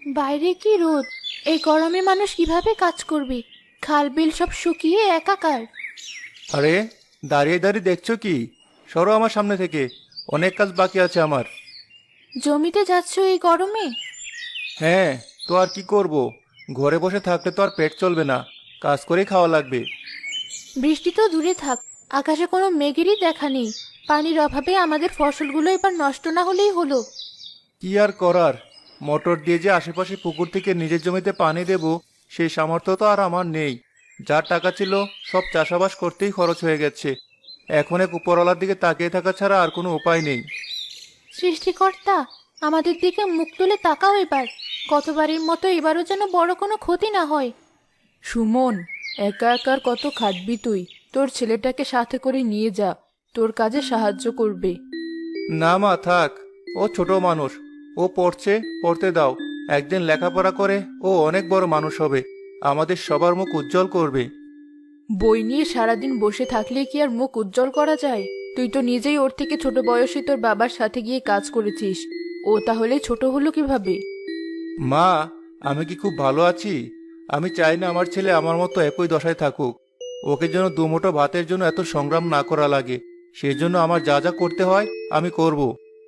বাইরে কি রোদ! এই গরমে মানুষ কিভাবে কাজ করবে? খাল বিল সব শুকিয়ে একাকার। আরে, দাঁড়িয়ে দাঁড়িয়ে দেখছো কি? সরো আমার সামনে থেকে। অনেক কাজ বাকি আছে আমার। জমিতে যাচ্ছ এই গরমে? হ্যাঁ, তো আর কি করব? ঘরে বসে থাকলে তো আর পেট চলবে না। কাজ করেই খাওয়া লাগবে। বৃষ্টি তো দূরে থাক, আকাশে কোনো মেঘেরই দেখা নেই। পানির অভাবে আমাদের ফসলগুলো এবার নষ্ট না হলেই হলো। কি আর করার? মোটর দিয়ে যে আশেপাশে পুকুর থেকে নিজের জমিতে পানি দেব, সেই সামর্থ্য তো আর আমার নেই। যার টাকা ছিল সব চাষাবাস করতেই খরচ হয়ে গেছে। এখন এক উপরওয়ালার দিকে তাকিয়ে থাকা ছাড়া আর কোনো উপায় নেই। সৃষ্টিকর্তা, আমাদের দিকে মুখ তুলে তাকাও এবার। গতবারের মতো এবারও যেন বড় কোনো ক্ষতি না হয়। সুমন, একা একার কত খাটবি তুই? তোর ছেলেটাকে সাথে করে নিয়ে যা, তোর কাজে সাহায্য করবে। না মা, থাক। ও ছোট মানুষ। ও পড়ছে, পড়তে দাও। একদিন লেখাপড়া করে ও অনেক বড় মানুষ হবে। আমাদের সবার মুখ উজ্জ্বল করবে। বই নিয়ে সারাদিন বসে থাকলে কি আর মুখ উজ্জ্বল করা যায়? তুই তো নিজেই ওর থেকে ছোট বয়সে তোর বাবার সাথে গিয়ে কাজ করেছিস। ও তাহলে ছোট হলো কিভাবে? মা, আমি কি খুব ভালো আছি? আমি চাই না আমার ছেলে আমার মতো একই দশায় থাকুক। ওকে যেন দুমুঠো ভাতের জন্য এত সংগ্রাম না করা লাগে। সেই জন্য আমার যা যা করতে হয় আমি করব।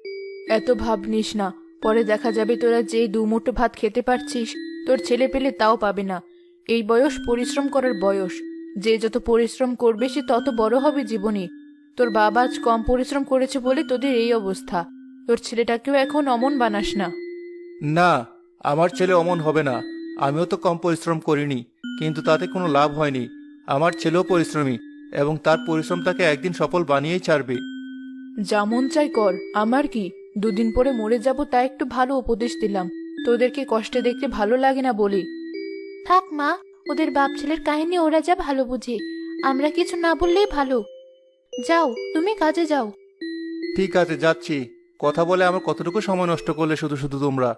এত ভাব নিস না। পরে দেখা যাবে তোরা যে দুমুঠো ভাত খেতে পারছিস, তোর ছেলে পেলে তাও পাবে না। এই বয়স পরিশ্রম করার বয়স। যে যত পরিশ্রম করবে সে তত বড় হবে জীবনে। তোর বাবা আজ কম পরিশ্রম করেছে বলে তোদের এই অবস্থা। তোর ছেলেটাকেও এখন অমন বানাস না। না, আমার ছেলে অমন হবে না। আমিও তো কম পরিশ্রম করিনি, কিন্তু তাতে কোনো লাভ হয়নি। আমার ছেলেও পরিশ্রমী, এবং তার পরিশ্রম তাকে একদিন সফল বানিয়েই ছাড়বে। যেমন চাই কর, আমার কি? দুদিন পরে মরে যাব, তা একটু ভালো উপদেশ দিলাম। তোদেরকে কষ্টে দেখতে ভালো লাগে না বলি। থাক মা, ওদের বাপ ছেলের কাহিনী ওরা যা ভালো বুঝে। আমরা কিছু না বললেই ভালো। যাও, তুমি কাজে যাও। ঠিক আছে, যাচ্ছি। কথা বলে আমার কতটুকু সময় নষ্ট করলে শুধু শুধু তোমরা।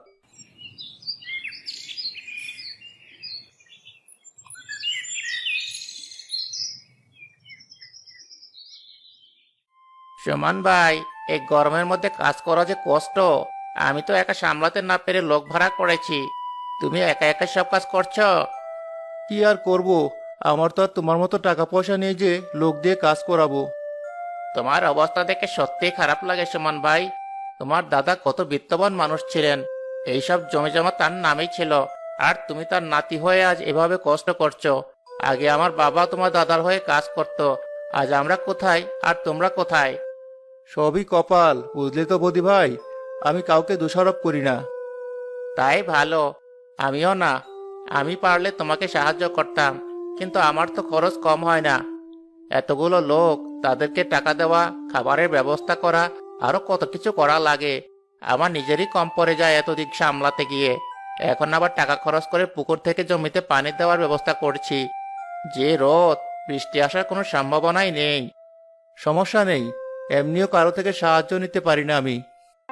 সুমন ভাই, এই গরমের মধ্যে কাজ করা যে কষ্ট। আমি তো একা সামলাতে না পেরে লোক ভাড়া করেছি। তুমি একা একা সব কাজ করছো? কি আর করব? আমার তো আর তোমার মতো টাকা পয়সা নেই যে লোক দিয়ে কাজ করাবো। তোমার অবস্থা দেখে সত্যিই খারাপ লাগে সুমন ভাই। তোমার দাদা কত বিত্তবান মানুষ ছিলেন। এইসব জমি জমা তার নামেই ছিল। আর তুমি তার নাতি হয়ে আজ এভাবে কষ্ট করছো। আগে আমার বাবা তোমার দাদার হয়ে কাজ করত। আজ আমরা কোথায় আর তোমরা কোথায়? সবই কপাল, বুঝলে তো বৌদি ভাই। আমি কাউকে দোষারোপ করি না। তাই ভালো। আমিও না। আমি পারলে তোমাকে সাহায্য করতাম, কিন্তু আমার তো খরচ কম হয় না। এতগুলো লোক, তাদেরকে টাকা দেওয়া, খাবারের ব্যবস্থা করা, আরো কত কিছু করা লাগে। আমার নিজেরই কম পড়ে যায় এত দিক সামলাতে গিয়ে। এখন আবার টাকা খরচ করে পুকুর থেকে জমিতে পানি দেওয়ার ব্যবস্থা করছি। যে রোদ, বৃষ্টি আসার কোনো সম্ভাবনাই নেই। সমস্যা নেই, এমনিও কারো থেকে সাহায্য নিতে পারি না আমি।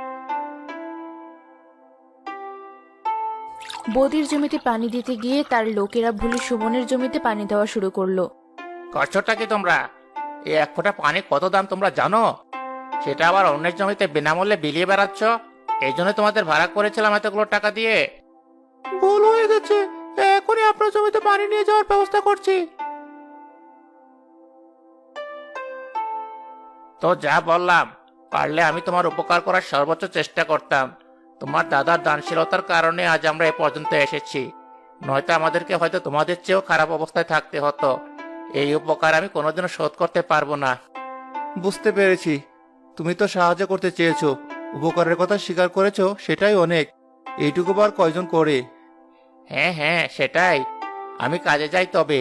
বদির জমিতে পানি দিতে গিয়ে তার লোকেরা ভুলে সুমনের জমিতে পানি দেওয়া শুরু করলো। করছোটা কি তোমরা? এই এক ফোঁটা পানি কত দাম তোমরা জানো? সেটা আবার অন্যের জমিতে বিনামূল্যে বিলিয়ে বেড়াচ্ছ। এই জন্য তোমাদের ভাড়া করেছিলাম এতগুলো টাকা দিয়ে। ভুল হয়ে গেছে। এখনই আপনার জমিতে পানি নিয়ে যাওয়ার ব্যবস্থা করছি। তো যা বললাম, পারলে আমি তোমার উপকার করার সর্বোচ্চ চেষ্টা করতাম। তোমার দাদার দানশীলতার কারণে আজ আমরা এ পর্যন্ত এসেছি। নয়তো আমাদেরকে হয়তো তোমাদের চেয়েও খারাপ অবস্থায় থাকতে হতো। এই উপকার আমি কোনোদিনও শোধ করতে পারবো না। বুঝতে পেরেছি। তুমি তো সাহায্য করতে চেয়েছো, উপকারের কথা স্বীকার করেছো, সেটাই অনেক। এইটুকু বার কয়জন করে? হ্যাঁ হ্যাঁ, সেটাই। আমি কাজে যাই তবে।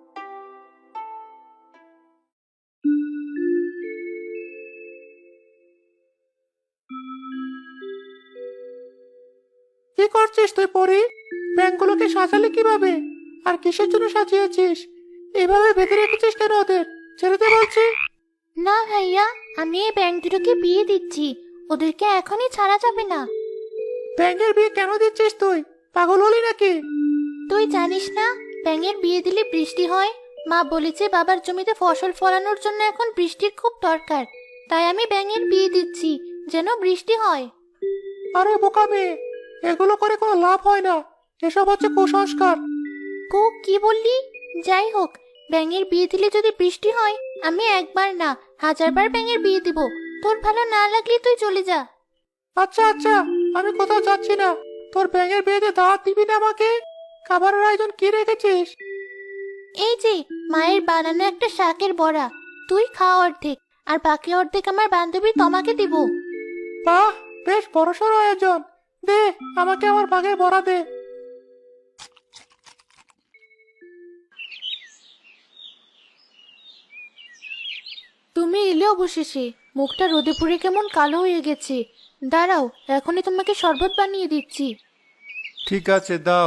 কি করছিস তুই পরি? ব্যাংকগুলোকে সাজালি কিভাবে? আর কিসের জন্য সাজিয়েছিস? এভাবে বেঁধে রেখেছিস কেন ওদের? ছেড়ে দে বলছি। না ভাইয়া, আমি এই ব্যাঙ দুটোকে বিয়ে দিচ্ছি। ওদেরকে এখনই ছাড়া যাবে না। ব্যাংকের বিয়ে কেন দিচ্ছিস তুই? পাগল হলি নাকি? তুই জানিস না, ব্যাঙের বিয়ে দিলে বৃষ্টি হয়। মা বলেছে বাবার জমিতে ফসল ফলানোর জন্য এখন বৃষ্টির খুব দরকার। তাই আমি ব্যাঙের বিয়ে দিচ্ছি, যেন বৃষ্টি হয়। আরে বোকা মেয়ে, এগুলো করে কোনো লাভ হয় না, এসব হচ্ছে কুসংস্কার। কি বললি? যাই হোক, ব্যাঙের বিয়ে দিলে যদি বৃষ্টি হয়, আমি একবার না 1000বার ব্যাঙের বিয়ে দিব। তোর ভালো না লাগলে তুই চলে যা। আচ্ছা আচ্ছা, আমি কোথাও যাচ্ছি না। তোর ব্যাঙের বিয়েতে দাওয়াত দিবি না আমাকে? খাবারের আয়োজন কি রেখেছিস? এই যে মায়ের বানানো একটা শাকের বড়া, তুই খা অর্ধেক, আর বাকি অর্ধেক আমার বান্ধবী তোমাকে দিব। বাহ, বেশ বড়সড় আয়োজন। দে, আমাকে আমার ভাগের বড়া দে। তুমি এলে অবশেষে। মুখটা রোদে পুড়ে কেমন কালো হয়ে গেছে। দাঁড়াও, এখনই তোমাকে শরবত বানিয়ে দিচ্ছি। ঠিক আছে, দাও।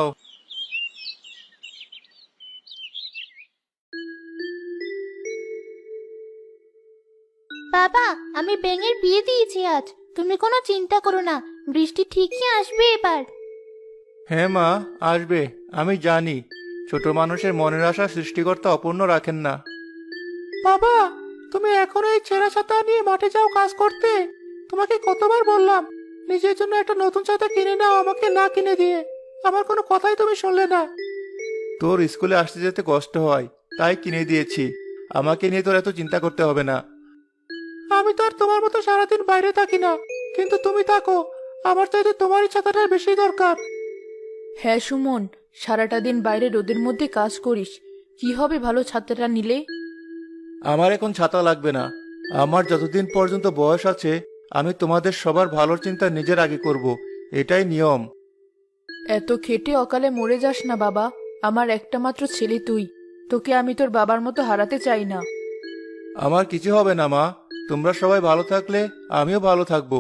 বাবা, আমি ব্যাঙের বিয়ে দিয়েছি আজ। তুমি কোনো চিন্তা করো না, বৃষ্টি ঠিকই আসবে এবার। হ্যাঁ মা, আসবে। আমি জানি ছোট মানুষের মনের আশা সৃষ্টিকর্তা অপূর্ণ রাখেন না। বাবা, তুমি এখনো এই ছেঁড়া ছাতা নিয়ে মাঠে যাও কাজ করতে? তোমাকে কতবার বললাম নিজের জন্য একটা নতুন ছাতা কিনে নাও, আমাকে না কিনে দিয়ে। আমার কোনো কথাই তুমি শুনলে না। তোর স্কুলে আসতে যেতে কষ্ট হয়, তাই কিনে দিয়েছি। আমাকে নিয়ে তোর এত চিন্তা করতে হবে না। আমি তো আর তোমার মতো সারাদিন বাইরে থাকি না, কিন্তু তুমি থাকো। আমার চাইতে তোমারই ছাতাটার বেশি দরকার। হ্যাঁ সুমন, সারাটা দিন বাইরে রোদের মধ্যে কাজ করিস, কি হবে ভালো ছাতাটা নিলে? আমার এখন ছাতা লাগবে না। আমার যতদিন পর্যন্ত বয়স আছে, আমি তোমাদের সবার ভালোর চিন্তা নিজের আগে করব। এটাই নিয়ম। এত খেটে অকালে মরে যাস না বাবা। আমার একটা মাত্র ছেলে তুই, তোকে আমি তোর বাবার মতো হারাতে চাই না। আমার কিছু হবে না মা, তোমরা সবাই ভালো থাকলে আমিও ভালো থাকবো।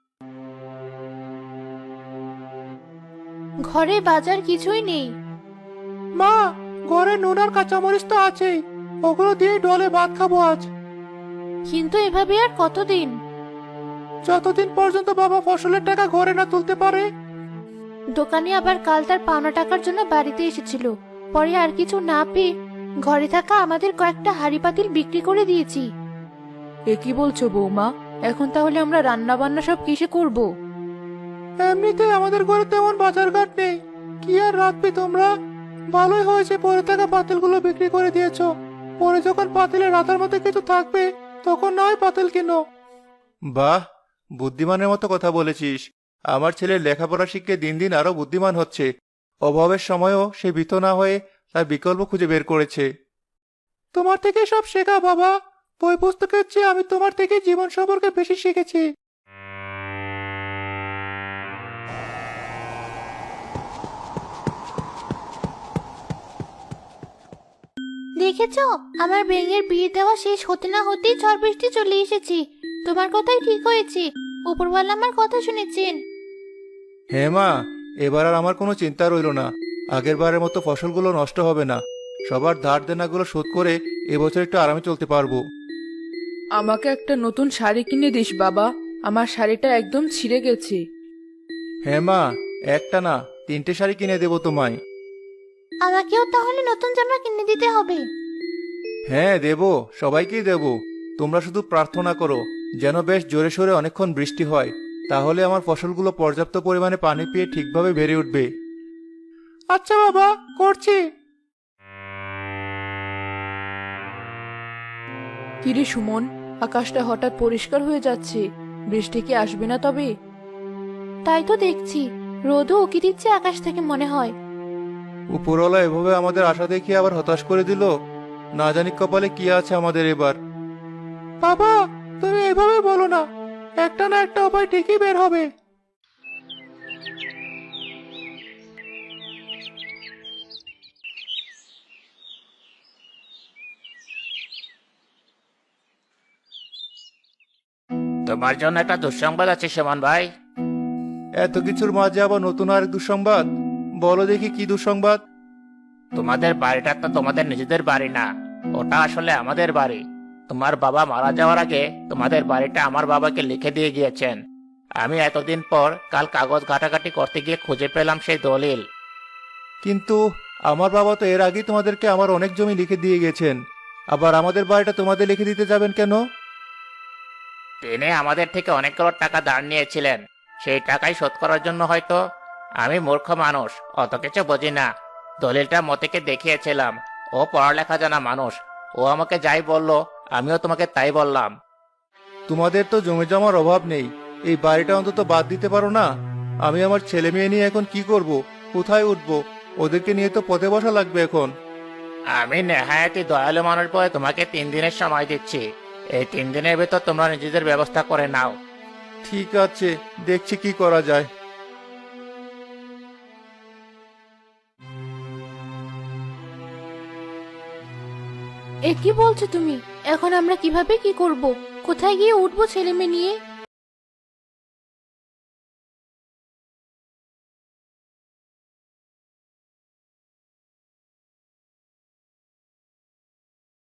ঘরে বাজার কিছুই নেই। মা, ঘরে নুন আর কাঁচামরিচ তো আছেই, ওগুলো দিয়ে ডলে ভাত খাবো আজ। কিন্তু এভাবে আর কতদিন? যতদিন পর্যন্ত বাবা ফসলের টাকা ঘরে না তুলতে পারে। দোকানে আবার কাল তার পাওনা টাকার জন্য বাড়িতে এসেছিল। পরে আর কিছু না পেয়ে ঘরে থাকা আমাদের কয়েকটা হাঁড়ি পাতিল বিক্রি করে দিয়েছি। এ কি বলছো বৌমা? এখন তাহলে আমরা রান্না বান্না সব কিসে করব? এমনিতে আমাদের ঘরে তেমন বাজারঘাট নেই, কি আর রাখবে তোমরা? ভালোই হয়েছে পরে থাকা পাতিলগুলো বিক্রি করে দিয়েছো। পরে যখন পাতিলে রাতার মধ্যে কিছু থাকবে, তখন না হয় পাতিল কিনো। বাহ, বুদ্ধিমানের মতো কথা বলেছিস। আমার ছেলের লেখাপড়া শিখে দিন দিন আরো বুদ্ধিমান হচ্ছে। অভাবের সময়ও সে ভীত না হয়ে তার বিকল্প খুঁজে বের করেছে। তোমার থেকে সব শেখা বাবা। বই পুস্তকের চেয়ে আমি তোমার থেকে জীবন সম্পর্কে বেশি শিখেছি। দেখেছো, আমার ব্যাঙের বিয়ে দেওয়া শেষ হতে না হতেই ঝড় বৃষ্টি চলে এসেছে। তোমার কথাই ঠিক হয়েছে, উপরওয়ালা আমার কথা শুনেছেন। হ্যাঁ মা, এবার আর আমার কোনো চিন্তা রইল না। আগের বারের মতো ফসলগুলো নষ্ট হবে না। সবার ধার দেনাগুলো শোধ করে এবছর একটু আরামে চলতে পারবো। আমাকে একটা নতুন শাড়ি কিনে দিস বাবা, আমার শাড়িটা একদম ছিঁড়ে গেছে। হ্যাঁ মা, একটা না 3টে শাড়ি কিনে দেবো তোমায়। আমাকেও তাহলে নতুন জামা কিনে দিতে হবে। হ্যাঁ দেবো, সবাইকেই দেবো। তোমরা শুধু প্রার্থনা করো যেন বেশ জোরে সোরে অনেকক্ষণ বৃষ্টি হয়, তাহলে আমার ফসলগুলো পর্যাপ্ত পরিমাণে পানি পেয়ে ঠিকভাবে বেড়ে উঠবে। আচ্ছা বাবা, করছি। কিরে সুমন, আকাশটা হঠাৎ পরিষ্কার হয়ে যাচ্ছে, বৃষ্টি কি আসবে না তবে? তাই তো দেখছি, রোদও উকি দিচ্ছে আকাশ থেকে মনে হয়। উপরওয়ালা এভাবে আমাদের আশা দেখিয়ে আবার হতাশ করে দিল। না জানি কপালে কি আছে আমাদের এবার। বাবা, তুমি এভাবে বলো না, একটা না একটা উপায় ঠিকই বের হবে। তোমার জন্য একটা দুঃসংবাদ আছে সুমন ভাই। এত কিছুর মাঝে আবার নতুন আরেক দুঃসংবাদ? বলো দেখি কি দুঃসংবাদ? তোমাদের বাড়িটা তো তোমাদের নিজেদের বাড়ি না, ওটা আসলে আমাদের বাড়ি। তোমার বাবা মারা যাওয়ার আগে তোমাদের বাড়িটা আমার বাবাকে লিখে দিয়ে গিয়েছেন। আমি এতদিন পর কাল কাগজ ঘাটাঘাটি করতে গিয়ে খুঁজে পেলাম সেই দলিল। কিন্তু আমার বাবা তো এর আগেই তোমাদেরকে আমার অনেক জমি লিখে দিয়ে গেছেন, আবার আমাদের বাড়িটা তোমাদের লিখে দিতে যাবেন কেন? তিনি আমাদের থেকে অনেকগুলো টাকা ধার নিয়েছিলেন, সেই টাকাই শোধ করার জন্য হয়তো আমি মূর্খ মানুষ, অত কিছু বুঝি না। দলিলটা মতিকে দেখিয়েছিলাম। ও পড়ালেখা জানা মানুষ। ও আমাকে যাই বললো, আমিও তোমাকে তাই বললাম। তোমাদের তো জমি জমার অভাব নেই, এই বাড়িটা অন্তত বাদ দিতে পারো না? আমি আমার ছেলে মেয়ে নিয়ে এখন কি করব, কোথায় উঠবো? ওদেরকে নিয়ে তো পথে বসা লাগবে এখন। আমি নেহায়াতি দয়ালু মানুষ বলে তোমাকে 3 দিনের সময় দিচ্ছি। এই 3 দিনের ভেতর তোমরা নিজেদের ব্যবস্থা করে নাও। ঠিক আছে, দেখছি কি করা যায়। এ কি বলছো তুমি? এখন আমরা কিভাবে কি করব? কোথায় গিয়ে উঠবো ছেলে মেয়ে নিয়ে?